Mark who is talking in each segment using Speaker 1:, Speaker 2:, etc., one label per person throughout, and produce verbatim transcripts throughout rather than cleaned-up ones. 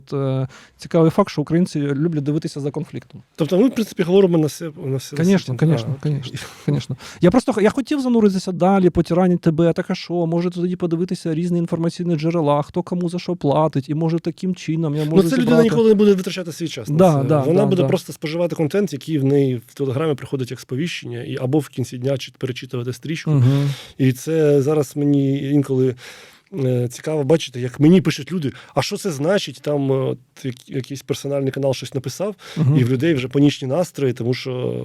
Speaker 1: Е, цікавий факт, що українці люблять дивитися за конфліктом.
Speaker 2: Тобто ми, в принципі, говоримо на все. На все
Speaker 1: Звісно, звісно, звісно. Я просто я хотів зануритися далі, потиранити тебе, так а що, може тоді подивитися різні інформаційні джерела, хто кому за що платить, і може таким чином я можу
Speaker 2: Ну це
Speaker 1: зібрати...
Speaker 2: людина ніколи не буде витрачати свій час.
Speaker 1: Да,
Speaker 2: на це.
Speaker 1: да,
Speaker 2: Вона
Speaker 1: да,
Speaker 2: буде
Speaker 1: да.
Speaker 2: просто споживати контент, який в неї в Телеграмі приходить як сповіщення, і або в кінці дня чи перечитувати стрічку.
Speaker 1: Угу.
Speaker 2: І це зараз мені інколи цікаво бачити, як мені пишуть люди, а що це значить, там от, якийсь персональний канал щось написав, угу. і в людей вже панічні настрої, тому що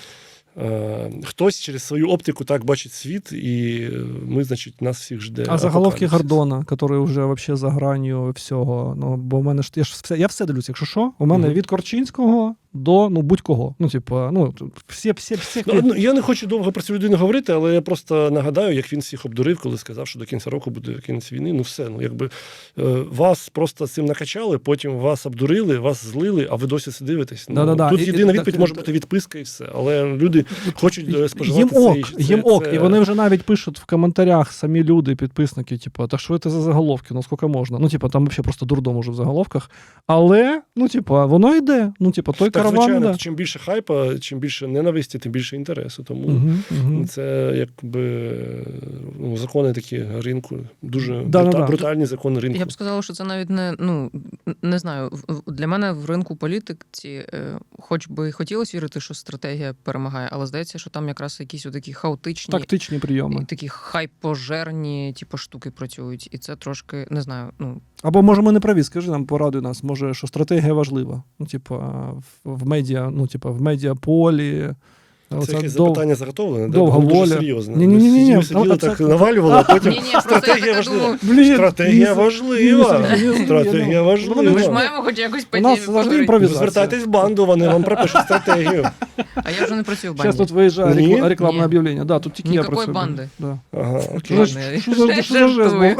Speaker 2: е, хтось через свою оптику так бачить світ, і ми, значить, нас всіх жде.
Speaker 1: А заголовки Гордона, який вже вообще за гранью всього. Ну, бо в мене ж я ж все, я все дивлюся, якщо що, у мене угу. від Корчинського до ну будь-кого. Ну, типу, ну, всі, всі, всі...
Speaker 2: Ну, я не хочу довго про цю людину говорити, але я просто нагадаю, як він всіх обдурив, коли сказав, що до кінця року буде кінець війни. Ну все, ну якби вас просто цим накачали, потім вас обдурили, вас злили, а ви досі це дивитесь. Ну,
Speaker 1: да-да-да.
Speaker 2: Тут
Speaker 1: і,
Speaker 2: єдина
Speaker 1: і,
Speaker 2: відповідь
Speaker 1: і,
Speaker 2: може бути відписка і все. Але люди хочуть споживати
Speaker 1: їм ок,
Speaker 2: це.
Speaker 1: Їм ок,
Speaker 2: це...
Speaker 1: і вони вже навіть пишуть в коментарях самі люди, підписники, типу, так що це за заголовки, ну скільки можна? Ну, типу, там взагалі просто дурдом уже в заголовках. Але, ну, типу, воно йде. Ну, типу, той
Speaker 2: так,
Speaker 1: караван,
Speaker 2: звичайно,
Speaker 1: да.
Speaker 2: Чим більше хайпа, чим більше ненависті, тим більше інтересу. Тому
Speaker 1: угу, угу.
Speaker 2: це якби ну, закони такі ринку, дуже
Speaker 1: да,
Speaker 2: брута,
Speaker 1: да, да.
Speaker 2: брутальні закони ринку.
Speaker 3: Я б сказала, що це навіть не, ну, не знаю, для мене в ринку політиці, хоч би і хотілося вірити, що стратегія перемагає, але здається, що там якраз якісь такі хаотичні,
Speaker 1: тактичні прийоми.
Speaker 3: Такі хайпожерні типу, штуки працюють. І це трошки, не знаю, ну...
Speaker 1: Або, може, ми не праві, скажи нам, порадуй нас, може, що стратегія важлива. Ну, типу, в медіа, ну, типу, в медіаполі.
Speaker 2: Це якесь дов... запитання заготовлене,
Speaker 1: довга
Speaker 2: дуже
Speaker 1: воля.
Speaker 2: серйозне.
Speaker 1: Ні, ні, ні, ні,
Speaker 2: ми сиділи, так це... навалювали, а потім
Speaker 3: ні, ні,
Speaker 2: стратегія важлива.
Speaker 3: Думаю...
Speaker 2: Стратегія важлива. Стратегія важлива.
Speaker 3: Ми ж маємо хоч якось по
Speaker 1: темі поговорити.
Speaker 2: Звертайтесь в банду, вони вам пропишуть стратегію.
Speaker 3: А я вже не працюю в банді.
Speaker 1: Зараз тут виїжджає рекламне об'явлення. Да, тут тільки я працюю.
Speaker 3: Никакой банди.
Speaker 1: Да.
Speaker 2: Ага, окей.
Speaker 1: Що за жест був?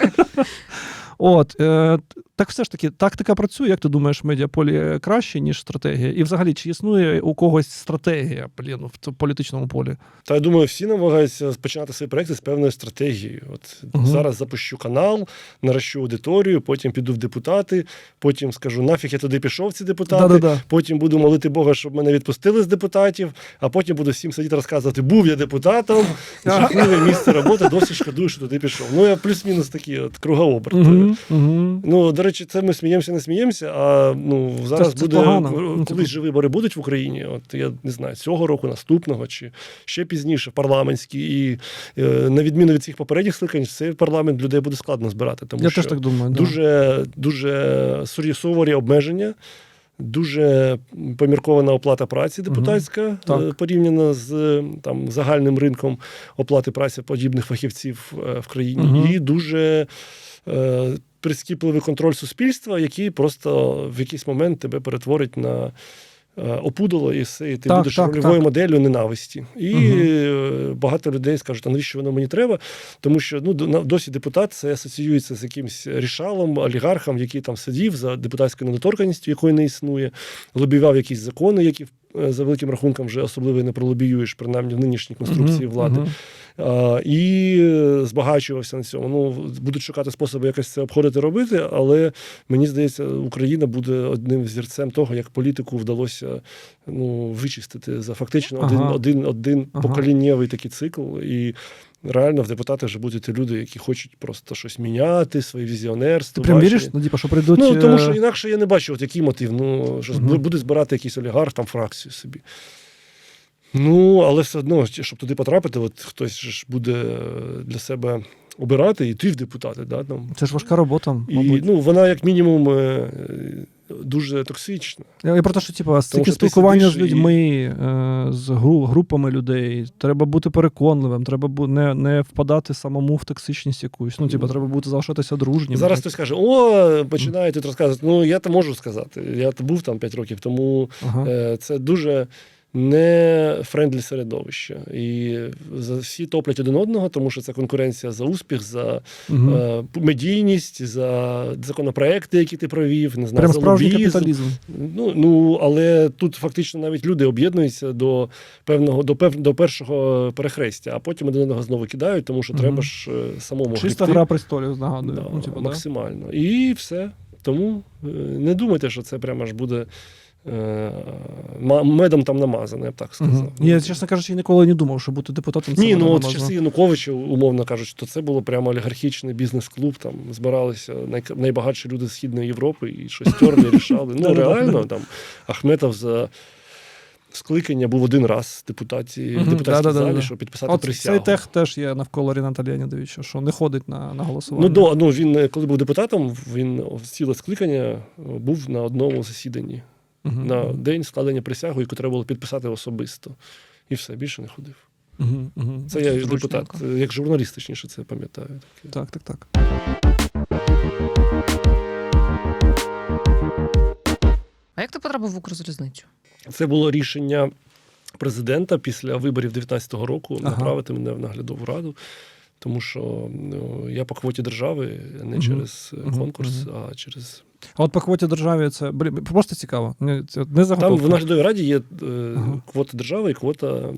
Speaker 1: От, е, так все ж таки, тактика працює, як ти думаєш, в медіаполі краще, ніж стратегія? І взагалі, чи існує у когось стратегія, блін, в політичному полі?
Speaker 2: Та я думаю, всі намагаються починати свої проекти з певною стратегією. От угу. Зараз запущу канал, наращу аудиторію, потім піду в депутати, потім скажу, нафіг я туди пішов, ці депутати,
Speaker 1: Да-да-да.
Speaker 2: потім буду молити Бога, щоб мене відпустили з депутатів, а потім буду всім сидіти розказувати, був я депутатом, жахливе місце роботи, досі шкодую, що туди пішов. Ну, я плюс-мінус такий от кругооберт.
Speaker 1: Угу. Угу.
Speaker 2: Ну, до речі, це ми сміємося, не сміємося, а ну, зараз це, це буде,
Speaker 1: погано.
Speaker 2: колись же вибори будуть в Україні, от я не знаю, цього року, наступного, чи ще пізніше, парламентські, і е, на відміну від цих попередніх скликань, цей парламент людей буде складно збирати, тому
Speaker 1: я
Speaker 2: що
Speaker 1: теж так думаю,
Speaker 2: дуже, да. дуже суворі обмеження, дуже поміркована оплата праці депутатська, угу. порівняно з там, загальним ринком оплати праці подібних фахівців в країні, угу. і дуже е, прискіпливий контроль суспільства, який просто в якийсь момент тебе перетворить на опудало, і все, і ти
Speaker 1: так,
Speaker 2: будеш
Speaker 1: так,
Speaker 2: рольовою
Speaker 1: так.
Speaker 2: моделлю ненависті. І угу. багато людей скажуть, а навіщо воно мені треба? Тому що ну, досі депутат це асоціюється з якимсь рішалом, олігархом, який там сидів за депутатською недоторканністю, якої не існує, лобівав якісь закони, які за великим рахунком вже особливо не пролобіюєш, принаймні в нинішній конструкції uh-huh, влади. Uh-huh. А, і збагачувався на цьому. Ну, будуть шукати способи якось це обходити, робити, але мені здається, Україна буде одним зірцем того, як політику вдалося ну, вичистити за фактично uh-huh. один, один, один uh-huh. поколіннєвий такий цикл. І реально в депутатах вже будуть люди, які хочуть просто щось міняти, своє візіонерство.
Speaker 1: Ти прям віриш? Ну, типу, що прийдуть...
Speaker 2: Ну, тому що інакше я не бачу, от який мотив. Ну, що
Speaker 1: uh-huh.
Speaker 2: буде збирати якийсь олігарх, там, фракцію собі. Ну, але все одно, щоб туди потрапити, от хтось ж буде для себе обирати і йти в депутати. Да, там.
Speaker 1: Це ж важка робота, мабуть.
Speaker 2: І, ну, вона, як мінімум, дуже токсична.
Speaker 1: Я про те, що, типу, стільки спілкування з людьми, і... з групами людей, треба бути переконливим, треба бу... не, не впадати самому в токсичність якусь. Ну, типу, треба бути залишатися дружнім.
Speaker 2: Зараз хтось каже, о, починає тут розказувати. Ну, я то можу сказати. Я був там п'ять років, тому ага. е, це дуже... не френдлі середовище. І всі топлять один одного, тому що це конкуренція за успіх, за угу. е, медійність, за законопроекти, які ти провів, не знаю,
Speaker 1: прям
Speaker 2: за
Speaker 1: справжній
Speaker 2: лобізм.
Speaker 1: Капіталізм.
Speaker 2: Ну, ну, але тут фактично навіть люди об'єднуються до певного, до, пев, до першого перехрестя, а потім один одного знову кидають, тому що угу. треба ж самому
Speaker 1: Чиста
Speaker 2: гребти.
Speaker 1: гра престолів, нагадую.
Speaker 2: Да,
Speaker 1: ну, типу,
Speaker 2: максимально. Да? І все. Тому е, не думайте, що це прямо аж буде е, медом там намазане, я б так сказав.
Speaker 1: Угу. Я, чесно кажучи, ніколи не думав, що бути депутатом це
Speaker 2: Ні, ну от в
Speaker 1: намазано.
Speaker 2: часи Януковича, умовно кажучи, то це було прямо олігархічний бізнес-клуб, там збиралися най, найбагатші люди з Східної Європи і щось терли, рішали. Ну, реально, там Ахметов за скликання був один раз в депутаті,
Speaker 1: Мгм,
Speaker 2: в депутатській
Speaker 1: да-да-да-да.
Speaker 2: залі, щоб підписати
Speaker 1: От
Speaker 2: присягу.
Speaker 1: цей тех теж є навколо Ріната Леонідовича, що не ходить на, на голосування.
Speaker 2: Ну, до, ну, він, коли був депутатом, він ціле скликання був на одному засіданні.
Speaker 1: Угу.
Speaker 2: На день складення присяги, яку треба було підписати особисто. І все, більше не ходив.
Speaker 1: Угу, угу.
Speaker 2: Це я як
Speaker 3: Зручненько.
Speaker 2: депутат, як журналіст, точніше, це пам'ятаю. Таке.
Speaker 1: Так, так, так.
Speaker 3: А як ти потрапив в Укрзалізницю?
Speaker 2: Це було рішення президента після виборів дев'ятнадцятого року
Speaker 1: Ага.
Speaker 2: направити мене в наглядову раду, тому що ну, я по квоті держави, а не
Speaker 1: Мгм.
Speaker 2: через
Speaker 1: Мгм.
Speaker 2: конкурс,
Speaker 1: Мгм.
Speaker 2: а через...
Speaker 1: А от по квоті державі це блін, просто цікаво. Не, це не
Speaker 2: Там
Speaker 1: заготовка.
Speaker 2: в наглядовій раді є е,
Speaker 1: Ага.
Speaker 2: квота держави і квота е,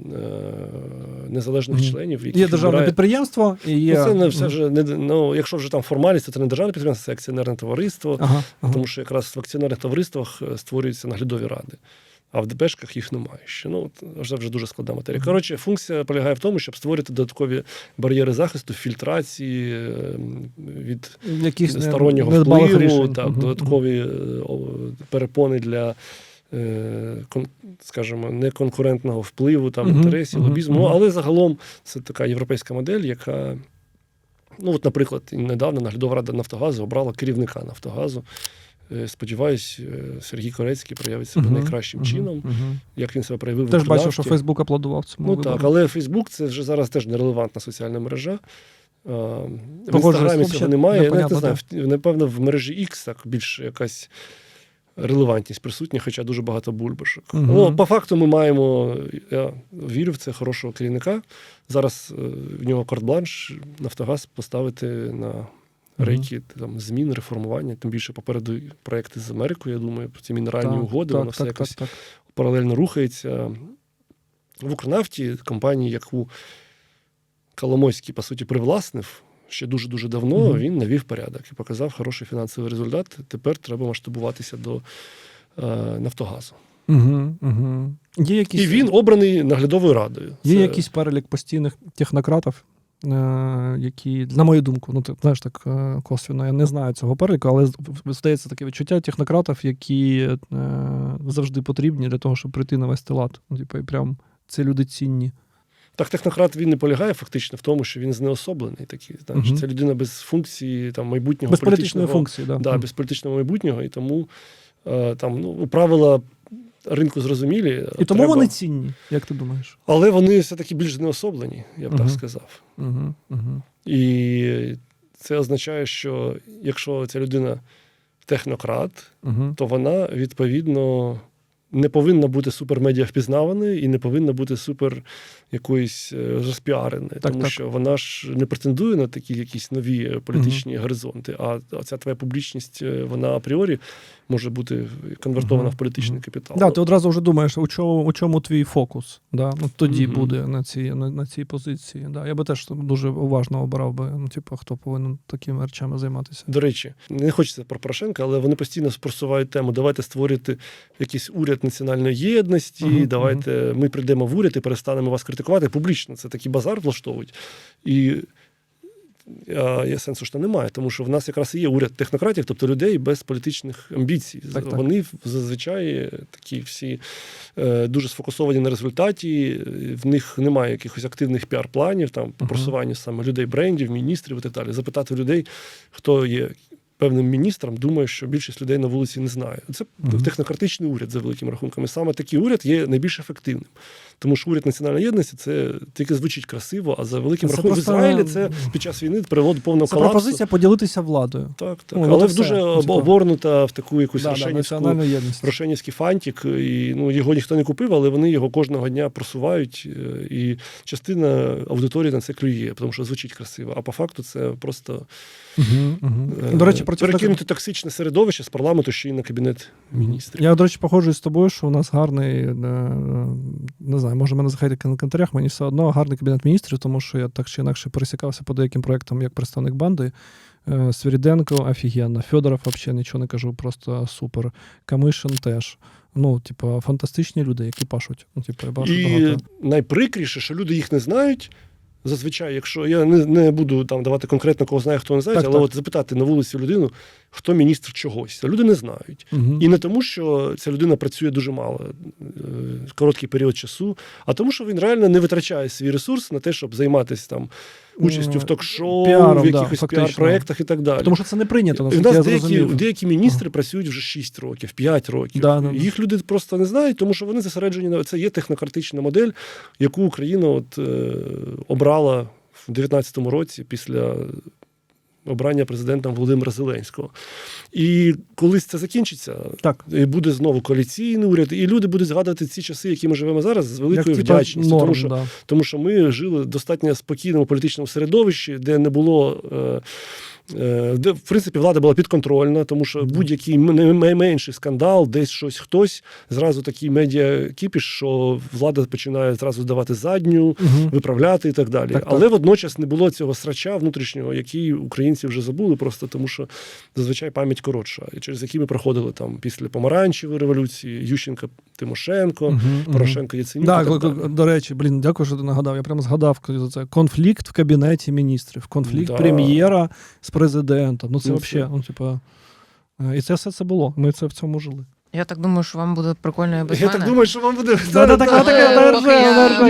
Speaker 2: незалежних
Speaker 1: Мгм.
Speaker 2: членів, які
Speaker 1: Є державне підприємство і є...
Speaker 2: Ну, це не все
Speaker 1: Мгм.
Speaker 2: ж не ну, якщо вже там формальність, то це не державне підприємство, це акціонерне товариство.
Speaker 1: Ага, ага.
Speaker 2: Тому що якраз в акціонерних товариствах е, створюються наглядові ради, а в ДПшках їх немає ще. Ну, от, це вже дуже складна матерія.
Speaker 1: Мгм.
Speaker 2: Коротше, функція полягає в тому, щоб створити додаткові бар'єри захисту, фільтрації е, від
Speaker 1: Якісь не-
Speaker 2: стороннього
Speaker 1: недбалих
Speaker 2: впливу,
Speaker 1: рішень.
Speaker 2: так,
Speaker 1: Мгм.
Speaker 2: додаткові е, о, перепони для, е, кон, скажімо, неконкурентного впливу, там,
Speaker 1: Мгм.
Speaker 2: інтересів,
Speaker 1: Мгм.
Speaker 2: лобізму.
Speaker 1: Мгм.
Speaker 2: Ну, але загалом це така європейська модель, яка, ну, от, наприклад, недавно наглядова рада Нафтогазу обрала керівника Нафтогазу. Е, Сподіваюсь, е, Сергій Корецький проявить себе
Speaker 1: Мгм.
Speaker 2: найкращим
Speaker 1: Мгм.
Speaker 2: чином,
Speaker 1: Мгм.
Speaker 2: як він себе проявив в
Speaker 1: Теж бачив,
Speaker 2: Укрнафті.
Speaker 1: що Фейсбук аплодував цьому
Speaker 2: Ну
Speaker 1: вибору.
Speaker 2: так, але Фейсбук це вже зараз теж нерелевантна соціальна мережа. А, В
Speaker 1: Погоджуюсь,
Speaker 2: Інстаграмі
Speaker 1: взагалі
Speaker 2: цього немає. Я навіть
Speaker 1: непонятно,
Speaker 2: не знаю, в- напевно, в мережі X так більш якась релевантність присутня, хоча дуже багато бульбашок.
Speaker 1: Мгм.
Speaker 2: Ну, по факту ми маємо, я вірю в це, хорошого керівника. Зараз е, в нього карт-бланш Нафтогаз поставити на рейки там, змін, реформування, тим більше попереду проекти з Америкою, я думаю, про ці мінеральні
Speaker 1: Так,
Speaker 2: угоди,
Speaker 1: так,
Speaker 2: воно все
Speaker 1: так,
Speaker 2: якось
Speaker 1: так, так.
Speaker 2: паралельно рухається. В Укрнафті, компанії, яку Коломойський, по суті, привласнив ще дуже-дуже давно,
Speaker 1: Мгм.
Speaker 2: він навів порядок і показав хороший фінансовий результат. Тепер треба масштабуватися до е, Нафтогазу.
Speaker 1: Угу, угу. Є якісь,
Speaker 2: І він обраний наглядовою радою.
Speaker 1: є
Speaker 2: Це-
Speaker 1: якийсь перелік постійних технократів, е, які, на мою думку, ну ти знаєш так е, косвенно, я не знаю цього переліку, але з- здається таке відчуття технократів, які е, завжди потрібні для того, щоб прийти на вести лад. Ну, типу, і прям це люди цінні.
Speaker 2: Так, технократ він не полягає фактично в тому, що він знеособлений такий. Знаєш,
Speaker 1: Мгм.
Speaker 2: це людина без функції там, майбутнього
Speaker 1: Без політичної
Speaker 2: політичного
Speaker 1: функції, да.
Speaker 2: Да, без політичного майбутнього, і тому е, там, ну, правила ринку зрозумілі.
Speaker 1: І тому
Speaker 2: треба-
Speaker 1: вони цінні, як ти думаєш?
Speaker 2: Але вони все-таки більш знеособлені, я б
Speaker 1: Мгм.
Speaker 2: так сказав.
Speaker 1: Угу, угу.
Speaker 2: І це означає, що якщо ця людина технократ,
Speaker 1: Угу.
Speaker 2: то вона, відповідно, не повинна бути супермедіа впізнаваною і не повинна бути супер якоюсь е, розпіареною,
Speaker 1: Так,
Speaker 2: тому
Speaker 1: так.
Speaker 2: що вона ж не претендує на такі якісь нові е, політичні горизонти, а ця твоя публічність, е, вона апріорі може бути конвертована
Speaker 1: Мгм.
Speaker 2: в політичний капітал.
Speaker 1: Да, ти одразу вже думаєш, у чому, у чому твій фокус. Да? Ну, тоді
Speaker 2: Мгм.
Speaker 1: буде на цій, на, на цій позиції. Да. Я би теж дуже уважно обирав би, ну, типу, хто повинен такими речами займатися.
Speaker 2: До речі, не хочеться про Порошенка, але вони постійно просувають тему. Давайте створити якийсь уряд національної єдності,
Speaker 1: Мгм,
Speaker 2: давайте ми прийдемо в уряд і перестанемо вас критикувати. Публічно це такий базар влаштовують. І а, є сенсу, що немає, тому що в нас якраз і є уряд технократів, тобто людей без політичних амбіцій.
Speaker 1: Так, так.
Speaker 2: Вони зазвичай такі всі е, дуже сфокусовані на результаті, в них немає якихось активних піар-планів, там, по
Speaker 1: Мгм.
Speaker 2: просуванню саме людей, брендів, міністрів і так далі. Запитати людей, хто є певним міністром, думаю, що більшість людей на вулиці не знає. Це
Speaker 1: Мгм.
Speaker 2: технократичний уряд за великим рахунком. І саме такий уряд є найбільш ефективним. Тому що уряд національної єдності це тільки звучить красиво, а за великим
Speaker 1: Це
Speaker 2: рахунком
Speaker 1: просто-
Speaker 2: в Ізраїлі це під час війни привело до повного
Speaker 1: Це
Speaker 2: колапсу.
Speaker 1: пропозиція поділитися владою.
Speaker 2: Так, так.
Speaker 1: Ну, от
Speaker 2: Але
Speaker 1: і
Speaker 2: в
Speaker 1: все.
Speaker 2: дуже
Speaker 1: Ну,
Speaker 2: об-
Speaker 1: типу.
Speaker 2: оборнута в таку якусь
Speaker 1: Да, да,
Speaker 2: рошенівську,
Speaker 1: національну єдність.
Speaker 2: рошенівський фантик. І ну, його ніхто не купив, але вони його кожного дня просувають. е, І частина аудиторії на це клює, тому що звучить красиво. А по факту це просто
Speaker 1: Угу, угу.
Speaker 2: е,
Speaker 1: До речі, про ті-
Speaker 2: перекинути токсичне середовище з парламенту ще й на кабінет міністрів.
Speaker 1: Я, до речі, погоджуюсь з тобою, що у нас гарний, е, не знаю, може мене захайтити на коментарях, мені все одно гарний кабінет міністрів, тому що я так чи інакше пересікався по деяким проєктам як представник банди Е, Свириденко офігенно, Федоров взагалі нічого не кажу, просто супер. Камишин теж. Ну, типу, фантастичні люди, які пашуть. Ну, типу, я бачу
Speaker 2: І
Speaker 1: багато.
Speaker 2: найприкріше, що люди їх не знають. Зазвичай, якщо я не, не буду там давати конкретно, кого знає, хто не знає,
Speaker 1: Так,
Speaker 2: але
Speaker 1: так.
Speaker 2: от запитати на вулиці людину, хто міністр чогось. А люди не знають.
Speaker 1: Угу.
Speaker 2: І не тому, що ця людина працює дуже мало, е, короткий період часу, а тому, що він реально не витрачає свій ресурс на те, щоб займатися там участю в ток-шоу,
Speaker 1: Піаром,
Speaker 2: в
Speaker 1: да,
Speaker 2: якихось
Speaker 1: фактично.
Speaker 2: піар-проєктах і так далі.
Speaker 1: Тому що це не прийнято,
Speaker 2: У
Speaker 1: наскільки
Speaker 2: нас
Speaker 1: я
Speaker 2: деякі,
Speaker 1: зрозумів.
Speaker 2: деякі міністри працюють вже шість років, п'ять років.
Speaker 1: Да, да, да.
Speaker 2: Їх люди просто не знають, тому що вони зосереджені на це є технократична модель, яку Україна от, е, обрала в дев'ятнадцятому році після обрання президентом Володимира Зеленського. І колись це закінчиться,
Speaker 1: Так.
Speaker 2: і буде знову коаліційний уряд, і люди будуть згадувати ці часи, які ми живемо зараз, з великою
Speaker 1: Як, типа,
Speaker 2: вдячністю.
Speaker 1: норм,
Speaker 2: тому, що,
Speaker 1: да.
Speaker 2: тому що ми жили в достатньо спокійному політичному середовищі, де не було. Е, Де, в принципі, влада була підконтрольна, тому що будь-який найменший скандал, десь щось хтось, зразу такий медіа-кіпіш, що влада починає зразу давати задню,
Speaker 1: Угу.
Speaker 2: виправляти і так далі.
Speaker 1: Так,
Speaker 2: Але
Speaker 1: так.
Speaker 2: водночас не було цього срача внутрішнього, який українці вже забули, просто тому що зазвичай пам'ять коротша, і через які ми проходили там після помаранчевої революції, Ющенка, Тимошенко,
Speaker 1: Угу.
Speaker 2: Порошенко, Яценюк.
Speaker 1: Да,
Speaker 2: і так
Speaker 1: к-
Speaker 2: далі.
Speaker 1: до речі, блін, дякую, що ти нагадав. Я прямо згадав за це. Конфлікт в кабінеті міністрів, конфлікт
Speaker 2: Да.
Speaker 1: прем'єра з президентом. Ну це
Speaker 2: Ну,
Speaker 1: взагалі,
Speaker 2: це-
Speaker 1: ну, типа. е, І це все це було. Ми це в цьому жили.
Speaker 3: Я так думаю, що вам буде прикольно і без
Speaker 2: Я
Speaker 3: мене.
Speaker 2: так думаю, що вам буде.
Speaker 1: Да-да-да,
Speaker 3: Але
Speaker 1: таке,
Speaker 3: поки
Speaker 1: держи,
Speaker 3: я-
Speaker 1: держи.